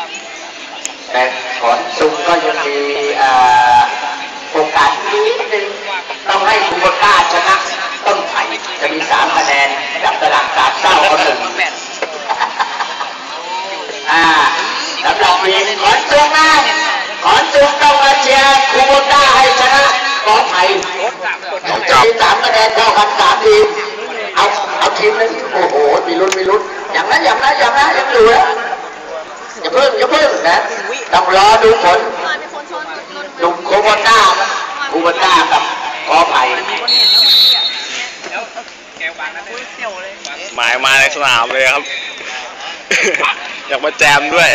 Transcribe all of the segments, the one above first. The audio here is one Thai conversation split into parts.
แต่ขอนซุงก็ยังมีโอกาสนิดนึงต้องให้คูโบต้าชนะต้นไผ่จะมี3 คะแนนจับตลาด3 เศร้าก็1สำหรับทีมขอนซุงนะขอนซุงต้องมาเชียร์คูโบต้าให้ชนะกอไผ่จะมี3 คะแนนเท่ากัน3 ทีมเอาทีมนึงโอ้โหมีลุ้นอย่างนั้นยังอยู่แล้วอย่าเพิ่งนะต้องรอดูผลหนุ่มคูโบต้ากับกอไผ่หมายมาในสนามเลยครับ อยากมาแจมด้วย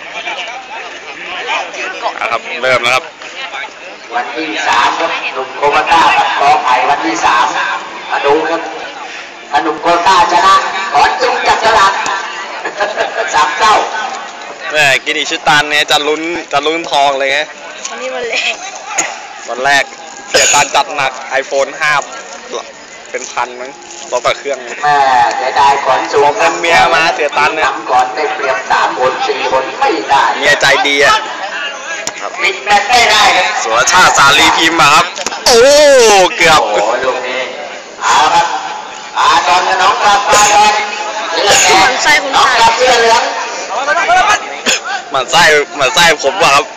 ครับเริ่มแล้วครับวันที่3ครับหนุ่มโคโบต้ากับกอไผ่วันที่3มาดูครับถ้าหนุ่มโคโบต้าชนะขอนซุงจับสลาก3 เศร้าแม่กินอิชิตันเนี่ยจะลุ้นทองเลยไงวันนี้วันแรกเสียตันจัดหนัก iPhone 5เป็นพันมั้งรถต่อเครื่องแม่เสียดายขอนซุงเมียมาเสียตันเนี่ยก่อนได้เปรียบ3 คน 4 คนไม่ได้เมียใจดีอ่ะปิดแมตช์ไม่ได้ครับสุรชาติสาลีพิมพ์ครับโอ้เกือบโอ้ลูกนี้เอาครับตอนน้องกลับมาตอนน้องกลับเสื้อเหลืองมันไส้ผมว่ะครับ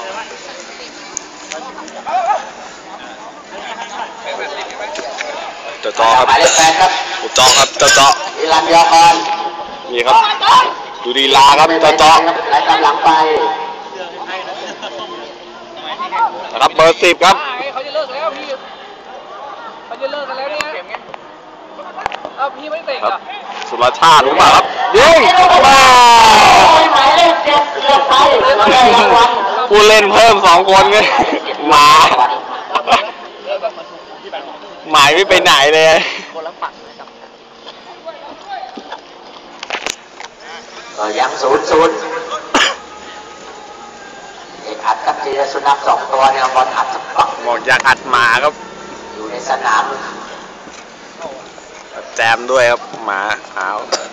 จอครับจอครับจออิรันยอกรนี่ครับดูดีลาครับจอไหลตามหลังไปนะครับเบอร์10ครับเขาจะเลิกแล้วพี่เขาจะเลิกกันแล้วเนี่ยพี่ไม่เตะอ่ะสุรชาติรู้ป่ะครับยิงผู้เล่นเพิ่ม2 คนไงหมายไม่ไปไหนเลยก็ยัง0-0เอกอัดกับจีรสุนัข2 ตัวเนี่ยบอลอัดสักปักบอกอยากอัดหมาครับอยู่ในสนามแจมด้วยครับหมาขาว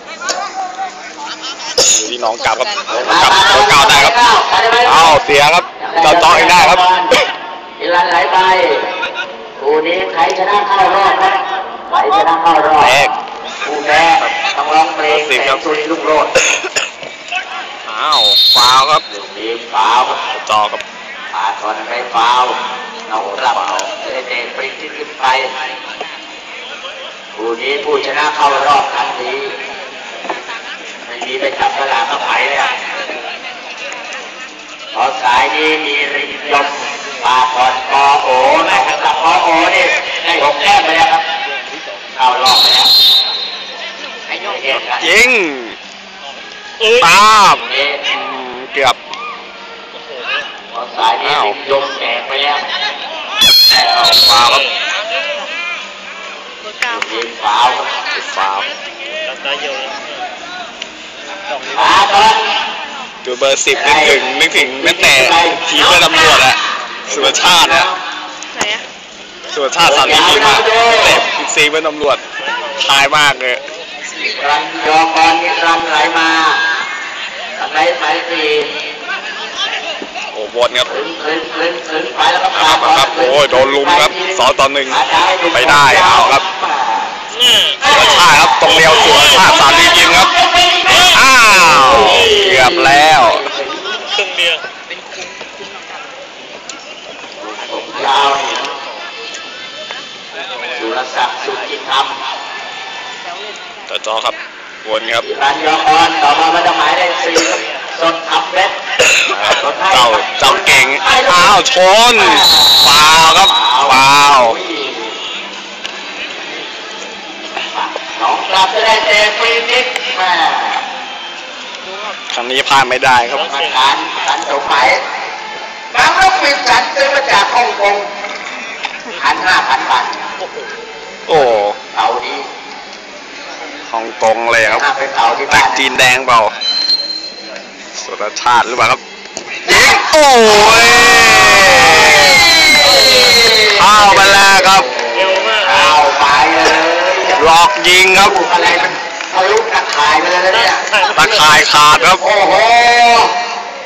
ที่น้องกลับครับตัวเก่าได้ครับเสียครับจออีกได้ครับอิรันไหลไปคู่นี้ใครชนะเข้ารอบนะใครชนะเข้ารอบคู่แพ้ต้องร้องเพลงแต่สุริลุกโลดฟาวครับมีฟาวจอครับตอนไปฟาวน้องรับเตะปริ้นขึ้นไปคู่นี้ผู้ชนะเข้ารอบทันทีไม่มีไปจับสลากกับไผ่เลยพอสายนี้มีริมยมปาทอนกอโอนะครับกอโอนี่ได้6 แต้มไปแล้วครับเข้ารอบไปแล้วยิงตามเกือบพอสายนี้ริมยมแตกไปแล้วฟาวครับยิงฟาวดูเบอร์10นึกถึงแม้แต่ทีมเพื่อนตำรวจอะสุรชาตินะสุรชาติสามีทีมมาเตะซีเพื่อนตำรวจทายมากเลยรันยอกรนี่รันไหลมาไหลไปทีโอ้บอลครับไปแล้วครับโอ้ยโดนลุมครับ2-1ไปได้เอาครับสุรชาติครับตรงเดียวสุรชาติสาลีพิมพ์ครับเกือบแล้วครึ่งเดียวยาวสุรศักดิ์สุจิธรรมจอครับวนครับรันยอกรต่อมาไม่ต้องหมายได้4สดทับเบ็ดเจ้าเก่งชนฟาวครับฟาวน้องกลับจะได้เตะฟรีคิกครั้งนี้พลาดไม่ได้ครับการสมัยน้ำลูกปิดสันซื้อมาจากฮ่องกง1,500 บาทโอ้เอาดีฮ่องกงเลยครับแตกจีนแดงเปล่าสุรชาติหรือเปล่าครับโอ้ยเข้าไปแล้วครับเข้าไปเลยหลอกยิงครับอะไรมันทะลุตะข่ายไปเลยเนี่ยตะข่ายขาดครับโอ้โห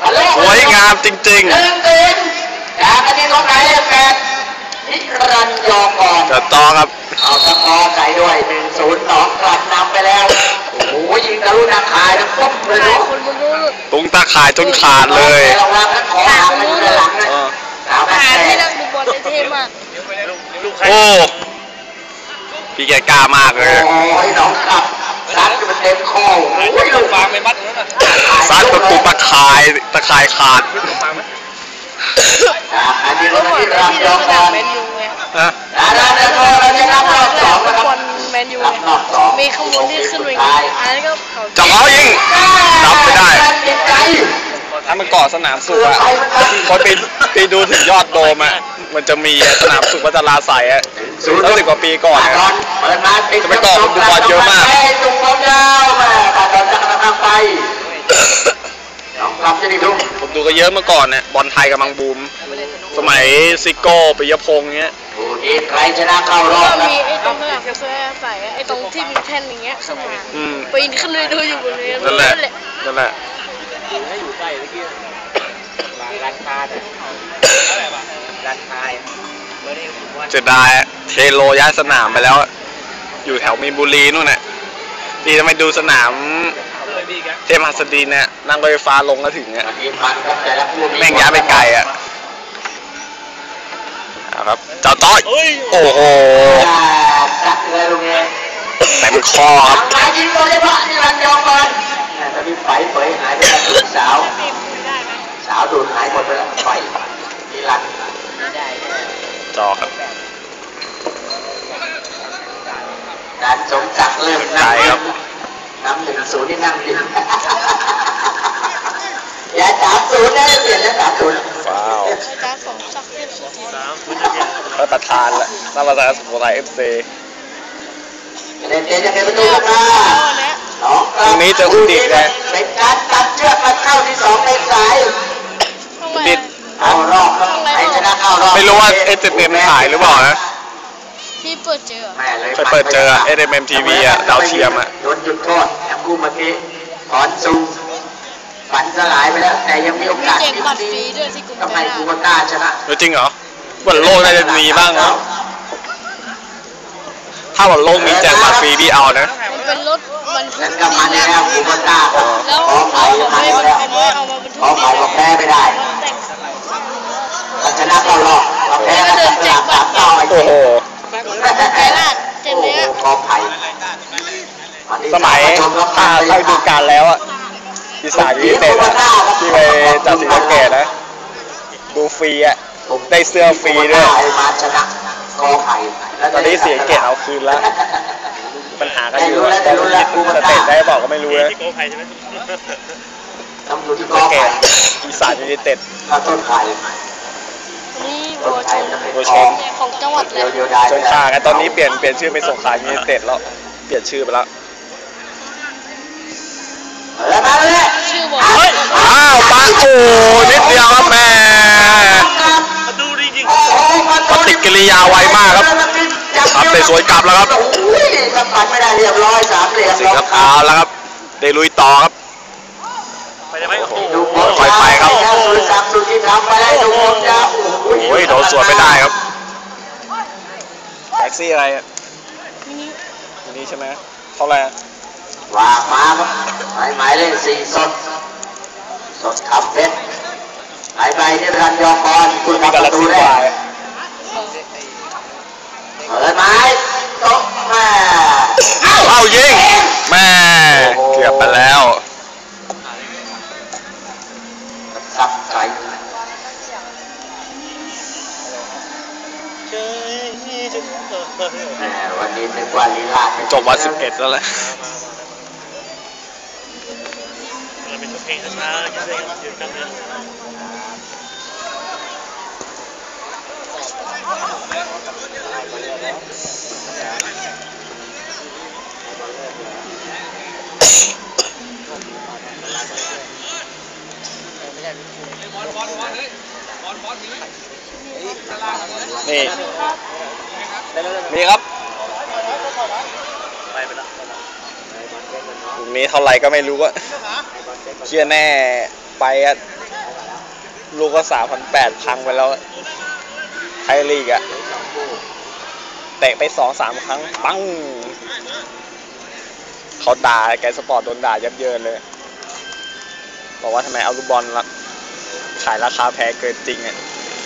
ามจริง 1-0จากอันนี้ของไหนแปดนิรันดร์ยอก่อนๆเดี๋ยวต่อครับเอาตะกอใส่ด้วย 1-0 หนองกลับนำไปแล้วโอ้โหยิงทะลุนาคายแล้วปุ๊บเลยเนาะคนมึงรู้ตุงตาข่ายจนขาดเลยระวังนะขอหางมันอยู่ด้านหลังนะเอาหาแม่ที่นักดูบอลเท่มากโอ้พี่แกกล้ามากเลยโอ้ยหนองกลับซัดมันเต็มคอโอ้ยลูกฟางไม่มัดซัดประตูตะข่ายขาดอันนี้เมื่อเราก่อนที่ที่รับที่ยเราอสก่นาอมนแมนยูไงนะเราจะรับรอบสองนะครับบอลแมนยูรับรอบสองมีขบวนที่ขึ้นไปไงอันนั้นก็เขาจับเขายิงรับไม่ได้ติดใจถ้ามันก่อสนามสุขอะพอไปดูถึงยอดโดมอะมันจะมีสนามสุขวัชราไสยอะตั้ง10 กว่าปีก่อนอะเปิดมาติดจะไปต่อคุณดูบอลเยอะมากจุงบอลยาวมาตาตอนจะกำลังไปน้องกลับจะดีลูกผมดูก็เยอะเมื่อก่อนเนี่ยบอลไทยกำลังบูม สมัยซิโก้ปิยพงษ์เงี้ยผู้นี้ใครชนะเข้ารอบก็ครับมีไอ้ตรงสนามเสื้อใส่ไอ้ตรงที่มีแท่นอย่างเงี้ยขึ้นมาปีนขึ้นไปดูอยู่บนนี้นั่นแหละนั่นแหละเสียดายอะเทโลย้ายสนามไปแล้ว อยู่แถวมีนบุรีนู่นน่ะดีทำไมดูสนามเทพหัสดินเนี่ยนั่งรถไฟฟ้าลงก็ถึงอ่ะมีมันครับแต่ละคู่แม่งย้ายไปไกลอ่ะเอาครับเจ้าต้อยโอ้โหจัดเลยลุงเองเต็มคอครับหายยิงโดยเฉพาะนี่รันยองก่อนแต่มีไฟเผยหายไปแล้วลูกสาวดูดหายหมดไปแล้วไฟนี่รันจอครับการสมศักดิ์เริ่มนำ1-0นี่นั่งดิอย่า3-0นะเปลี่ยนแล้ว3-0 ว้าวอาจารย์สมศักดิ์เทพสุทินท่านประธานละท่านประธานสุโขทัย FC เล่นเตะจะเป็นประตูขึ้นมาน้องตรงนี้จะอุดิตเลยเป็นการตัดเชือกมาเข้าที่2ในสายดิดเอารอบครับใครชนะเข้ารอบไม่รู้ว่า SMM ถ่ายหรือเปล่านะที่เปิดเจอแม่เลยไปเปิดเจอ SMM TV อ่ะดาวเทียมอ่ะโดนจุดโทษแอมกูเมื่อกี้ถอนซุงฝันสลายไปแล้วแต่ยังมีโอมีกาสแจกบัตรฟรีด้วยที่กรุงทำไมเทพกูก็กล้าชนะจริงเหรอวันโลกน่าจะมีบ้างเนาะถ้าวันโลกมีแจกบัตรฟรีพี่เอานะมันเป็นรถบรรทุนั่กนก็มาดินแล้วกูก็กล้าครับแล้วขอเขาไผ่ไม่มาบรรแล้วทุกเอามาบรรทุขอก ไผ่บอกแพ้ไม่ได้แต่งถ้าชนะเข้ารอบเราแพ้ก็ต้องสลับ3ต่ออีกโอ้โหไกลลาดเต็มโอ้เลยโหอะขอไผ่สมัยถ้าฤดูกาลแล้วอ่ะอีสานยูไนเต็ดอะที่ไปจัดศรีสะเกษนะดูฟรีอ่ะได้เสื้อฟรีด้วยมาชนะกอไผ่ตอนนี้ศรีสะเกษเอาคืนแล้วปัญหากันอยู่อะแต่สเตทได้บอกก็ไม่รู้นะต้องอยู่ที่กศรีอสะเกไผ่ษอีสานยูไนเต็ดถ้าต้นไผ่นี่ต้บันวชไผ่นจะเป็นบัวทชองนของจังหวัดเดียวเลยเดียวได้จนขากันตอนนี้เปลี่ยนชื่อเป็นสงขลายูไนเต็ดแล้วเปลี่ยนชื่อไปแล้วแล้วมาเลยชื่อบัวอ้าวปาโอ้นิดเดียวครับแม่ปฏิกิริยาไวมากครับครับเตะสวยกลับแล้วครับโอ้ยสะบัดไม่ได้เรียบร้อย3เหลี่ยมสิงครับเอาแล้วครับเดลุยต่อครับดูบอลไปครับสุริศักดิ์สุทธิธรรมไปได้ดูบอลยาวโอ้ยโดนสวนไม่ได้ครับแท็กซี่อะไรอ่ะมินิอันนี้ใช่ไหมเท่าไหร่อะวางมาครับหมายเลข4สดขับเพชรหายไปที่รันยองบอลคุณมีทำกาปแล็ระกตูซี่แรวาก ยเปิดไม้ตกแม่เข้ายิงแม่เกือบไปแล้วสับไก่แม่วันนี้นึกว่าลีลาจบวัน11แล้วแหละ นี่นี่ครับตรงนี้เท่าไหร่ก็ไม่รู้อะเชื่อแน่ไปอะลูกก็3,800พังไปแล้วไทยลีกอะเตะไป2-3 ครั้งปังเขาด่าแกสปอร์ตโดนด่ายับเยินเลยบอกว่าทำไมเอาลูกบอลขายราคาแพงเกินจริงอะ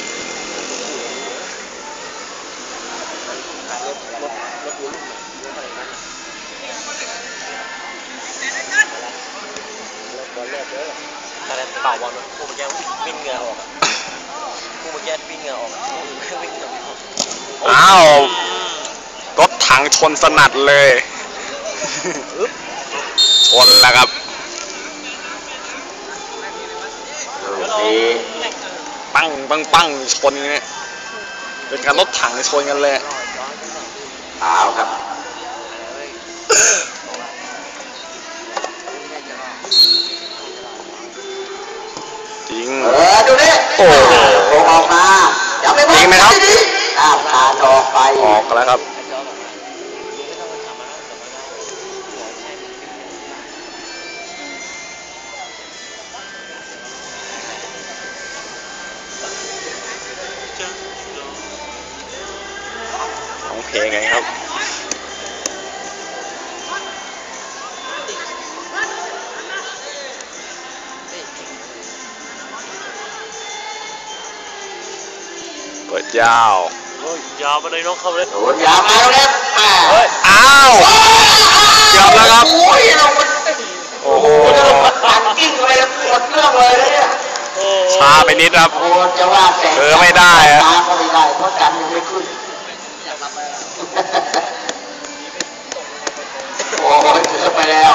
อะไรเป่าบอลกูเมื่อกี้วิ่งเหงื่อออกกูเมื่อกี้วิ่งเหงื่อออกวิ่งเหงื่อออกอ้าวรถถังชนสนั่นเลยชนแล้วครับปังปังปังชนเนี่ยเป็นการรถถังชนกันเลยเอาครับจริงดูดิโอ้โหออกมาอย่าไปจริงไหมครับขาดออกไปออกแล้วครับของเพลงไงครับเปิดยาวยาวไปเลยน้องเข้าเลยโดนยาวมาแล้วอ้าวเกือบแล้วครับโอ้โหตันกิ้งไปแล้วหมดเรื่องเลยเนี่ยช้าไปนิดครับจะว่าแต่ไม่ได้อะช้าก็ไม่ได้เพราะกันยังไม่ขึ้นโอ้ยเกือบไปแล้ว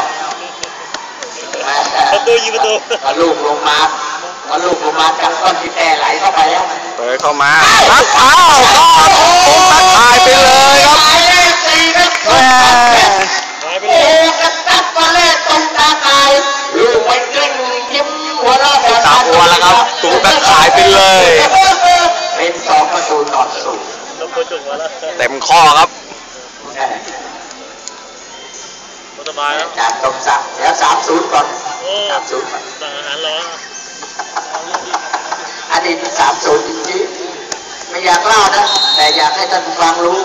ประตูยิงประตูลูกลงมาจากก้อนที่แต่ไหลเข้าไปแล้วเปิดเข้ามาครับอ้าวก็ตัดหายไปเลยครับโอ้กระตับมาเล่ตรงตาตายลูกไปกลิ้งยิ้มหัวเราะตาหัวแล้วครับตูตัดหายไปเลยเป็น2-0 เต็มข้อครับสบายแล้วจากตรงสักแล้ว3-0ก่อน3-0 สั่งอาหารรออดีต3-0จริงๆไม่อยากเล่านะแต่อยากให้ท่านฟังรู้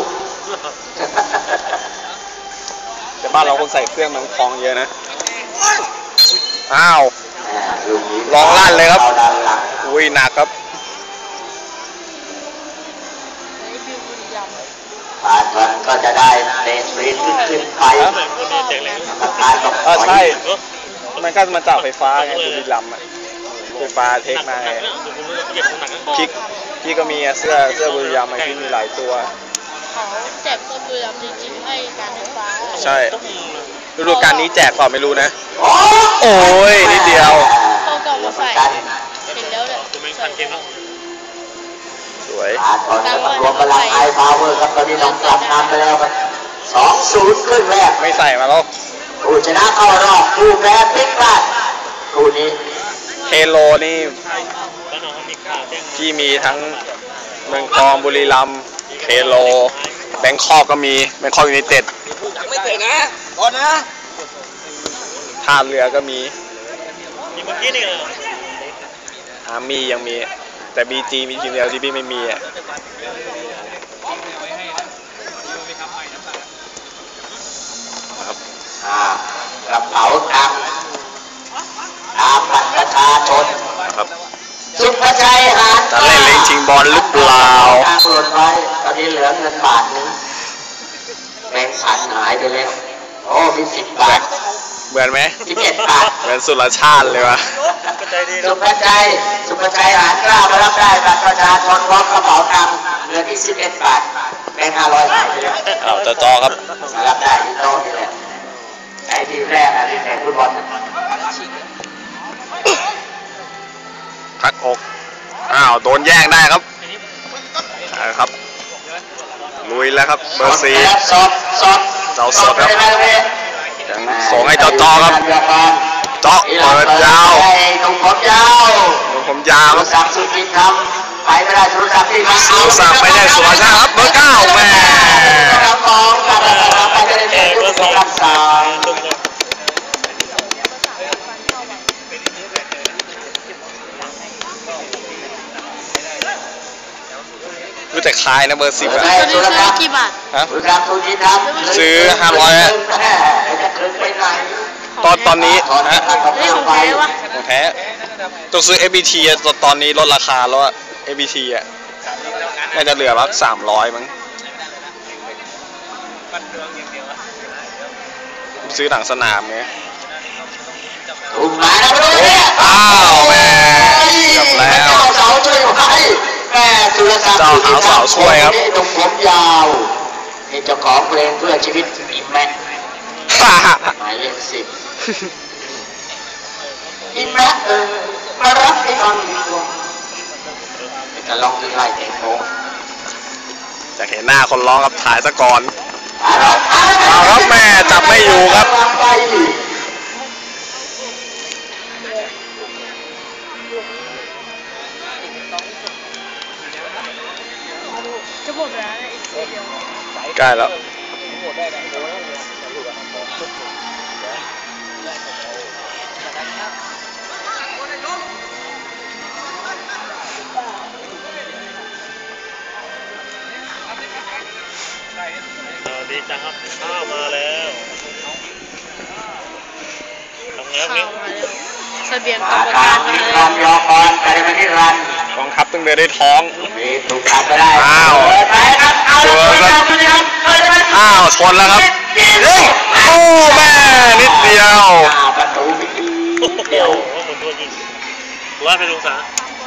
แต่บ้านเราคนใส่เครื่องมันคลองเยอะนะอ้าวลองลั่นเลยครับอุ้ยหนักครับผ่านมันก็จะได้เตะฟรีขึ้นไปใช่มันก็มาจากไฟฟ้าไงบุรีรัมย์ไฟฟ้าเทคมาไงพี่ก็มีเสื้อบุรีรัมย์ที่มีหลายตัวเขาแจกต้นบุรีรัมย์จริงๆให้การไฟฟ้าใช่ฤดูกาลนี้แจกเปล่าไม่รู้นะโอ้ยนิดเดียวเขากล่องมาใส่เห็นแล้วเลยสวยรวมพลังไอพาวเวอร์ครับตอนนี้น้องกลับนำไปแล้วครับ2-0ขึ้นแรกไม่ใส่มาแล้วผู้ชนะเข้ารอบผู้แพ้พลิกพลาดคู่นี้เทโลนี่ที่มีทั้งเมืองทองบุรีรัมย์เทโลแบงคอกก็มีแบงคอกยูไนเต็ดไม่เตะนะก่อนนะท่าเรือก็มีเมื่อกี้นี่อาร์มี่ยังมีแต่บีจีมีทีมเดียวที่พี่ไม่มีอ่ะกระเป๋าตังค์ตามบัตรประชาชนครับสุภชัยหาญจะเล่นเล่นชิงบอลหรือเปล่าทางหล่นไว้ตอนนี้เหลือเงินบาทนึงแบงค์พันหายไปแล้วโอ้มี10 บาทเหมือนไหม 17 บาทเหมือนสุรชาติเลยวะสุภชัยหาญกล้ามารับได้บัตรประชาชนพร้อมกระเป๋าตังค์เหลือที่11 บาทแบงค์500หายไปแล้วเอาจอครับรับได้ที่โต๊ะนี่แหละไอ้ทีมแรกอะไรแข่งฟุตบอลพักอกอ้าวโดนแย่งได้ครับครับลุยแล้วครับเบอร์4เจ้าสดครับยังส่งให้จอครับเจาะเปิดยาวตรงผมยาวสักสุดที่ทำไปไม่ได้สุรศักดิ์ที่มาสุรศักดิ์ไม่ได้สุรชาติครับเบอร์9แม่ไปจะได้เห็นผู้สรักษาแต่คายนะเบอร์ 10อะตัวนี้ซื้อกี่บาทฮะบุรีรัมย์สุรินทร์ครับซื้อ500อะจะเกินไปไหนตอนนี้ฮะเฮ้ยของแท้วะของแท้ต้องซื้อ FBT อะตอนนี้ลดราคาแล้วอะ FBT อะน่าจะเหลือละ300มั้งซื้อหนังสนามไงถูกหมายนะพวกนี้อ้าวแม่เกือบแล้วเจ้าเสาช่วยไว้แม่สุรศักดิ์เจ้าหางเสาช่วยครับนี่ตรงผมยาวนี่เจ้าของเพลงเพื่อชีวิตอิมแม็กหมายเลข10อิมแม็กมารับให้ฟังดีกว่าจะลองที่ไล่เต็มโมจะเห็นหน้าคนร้องครับถ่ายซะก่อนเอาครับแม่จับไม่อยู่ครับจะหมดแล้วนะอีกทีเดียวใกล้แล้วดีจังครับข้าวมาแล้วทำไงครับข้านี่วมาแล้วเสบียงกรอารมกาการรมามีคแล้วาว มยอมก่อนแต่ไม่ได้รันกองทัพต้องเดินด้วยท้องมีถูกตัดไปได้อ้าวไปครับเอาเจอครับ อ้าวชนแล้วครับเฮ้ยโอ้แม่นิดเดียวประตูพิธีเดียวว่าหมุนตัวยิงว่าเป็นองศา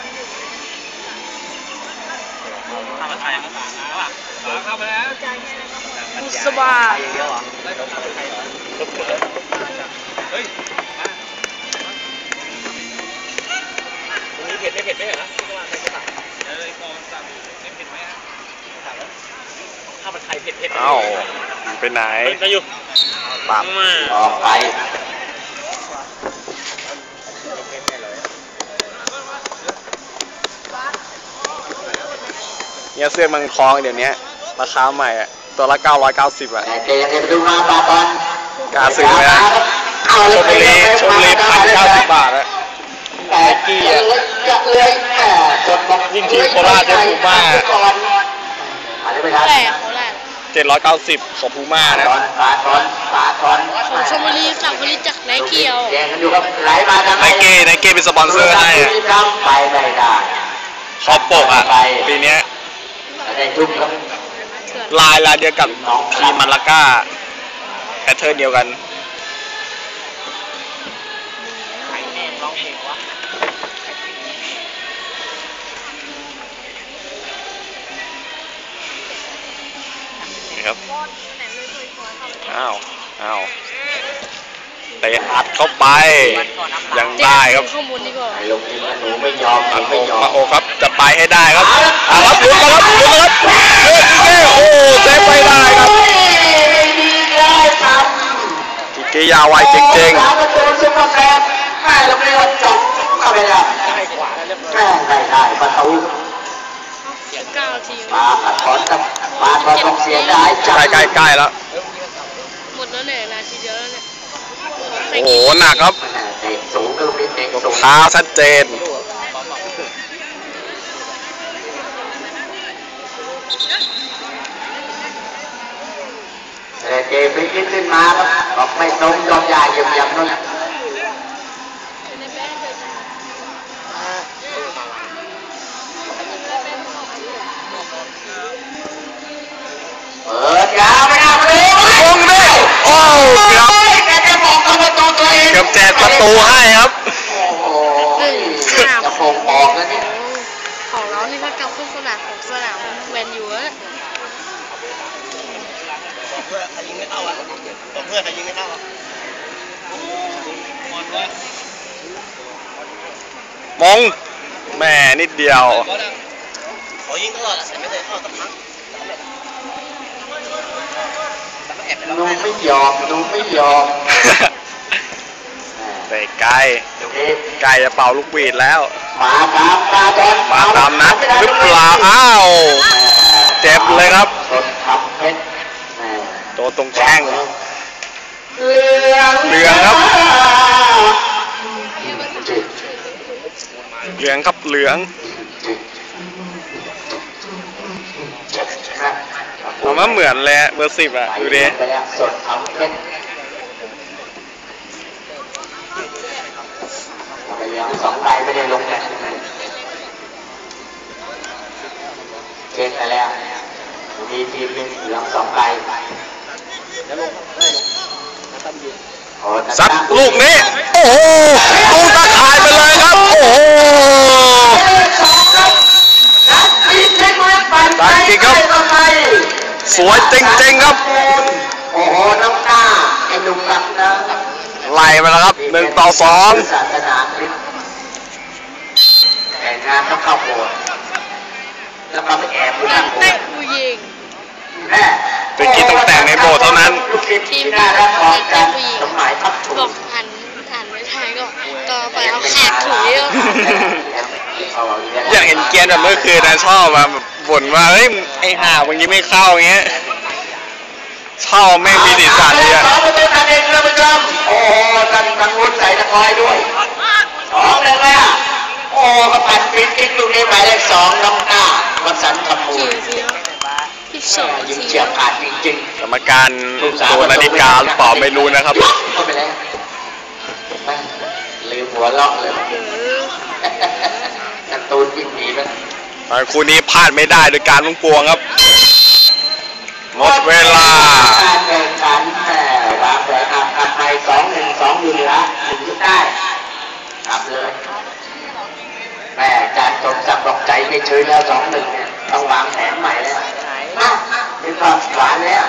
บุษบาตรงนี้เผ็ดไม่เผ็ดไม่เหรอข้าวผัดไทยเผ็ดเอ้าไปไหนไปอยู่ปั๊บมาออกไปเนี่ยเสื้อมังคองเดี๋ยวนี้ราคาใหม่อะตัวละ990อะแต่เจยังไปดูมาปาบอลกล้าซื้อไหมนะชลบุรี1,090 บาทอะแต่กี้อ่ะเลยแหมจนบอกยิ่งทีมโคราชเนี่ยพูม่าอะไรไม่ทันแรกเขาแรก 790ของพูม่านะปาทอนของชลบุรีสั่งผลิตจากไนเกียวแย่งกันอยู่ครับไหลมาทางไนเก้เป็นสปอนเซอร์ให้อะไปไม่ได้ขอบปกอะปีเนี้ยได้จุ๊บครับลายเดียวกับทีมมาลาก้าแพทเทิร์นเดียวกันนี่ครับอ้าวเตะอัดเข้าไปยังได้ครับข้อมูลดีกว่าไอ้ลงทีมหนูไม่ยอมอัดไม่ยอมาม โอครับจะไปให้ได้ครับเอาครับลุ้นมาครับโอ้เซฟไม่ได้ครับกิเกยาไวจริงประตูซุปเปอร์แซมแม่ลงเลยจบเข้าไปแล้วแม่ไม่ได้ประตู 9 นาทีปาถอนกับปาถอนต้องเสียได้จัๆใกล้แล้วหมดแล้วเนี่ยนาทีเดียวแล้วเนี่ยโอ้โหหนักครับเตะสูงก็ลูกนี้เตะสูงเท้าชัดเจนแต่เจพลิกขึ้นมาครับบอกไม่ตรงยอมยาเยี่ยมนั่นเปิดยาวไม่ได้มาเลยลงดิโอ้ครับแกจะบอกกับประตูตัวเองเกือบแจกประตูให้ครับโอ้โหจะโป่งบอกแล้วนี่ของเรานี่ถ้ากลับขึ้นสนามของสนามแมนยูแล้วเพื่อใครยิงไม่เข้าอ่ะเพื่อใครยิงไม่เข้าอ่ะมงแม่นิดเดียวเขายิงตลอดแต่ไม่เคยเข้าสักครั้งหนูไม่ยอมเตะไกลจะเป่าลูกหวีดแล้วมาตามนัดหรือเปล่าอ้าวเจ็บเลยครับสดทำเพชรตัวตรงแข้งเหลืองครับ เหลืองครับเหลืองว่าเหมือนเลยเบอร์ 10อ่ะดูดิไปแล้วสดทำเพชรไปแล้วสองใบไม่ได้ลงนะเช็คไปแล้วมีทีมหนึ่งเหลืองสองใบซัดลูกนี้โอ้โหลูกตะข่ายไปเลยครับโอ้โหตัดจริงครับสวยจริงๆครับโอ้โหน้องหน้าไอ้หนุ่มรักนะไล่ไปแล้วครับ1-2 ศาสนาคริสต์แต่งงานต้องเข้าโบสถ์แล้วก็ไปแอบอยู่ข้างโบสเตะถ์ผู้หญิงตะกี้ต้องแต่งในโบสถ์เท่านั้นทีมน่ารักของกันสมัยพักถูบอกหันไม่ทันก็ไปเอาแขกถุยอยากเห็นเกียร์แบบเมื่อคืนนะชอบมาบ่นว่าเฮ้ยไอ้ห่าวันนี้ไม่เข้าอย่างเงี้ยชอบไม่มีสีสันเลยอะสองประตูทันเองท่านผู้ชมโอ้โหตั้งวุ้นใส่ตะคอยด้วย2-1โอ้กระปั่นปีนกิ๊กลูกนี้หมายเลข2น้องหน้าวัสันต์คำมูล ยิงเฉียบขาดจริงๆกรรมการดูนาฬิกาหรือเปล่าไม่รู้นะครับเข้าไปแล้วลืมหัวล็อกเลยการ์ตูนวิ่งหนีไปคู่นี้พลาดไม่ได้โดยการลุงปวงครับหมดเวลาการแข่งขันวางแผนกลับไป2-1อยู่เหนือ1ได้กลับเลยแม่อาจารย์สมศักดิ์บอกใจไม่ชื้นแล้ว2-1เนี่ยต้องวางแผนใหม่แล้วมาเป็นความหวานแล้ว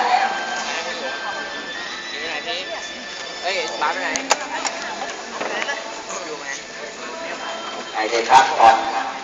เฮ้ยบ้านไปไหนไอ้เด็กครับก่อน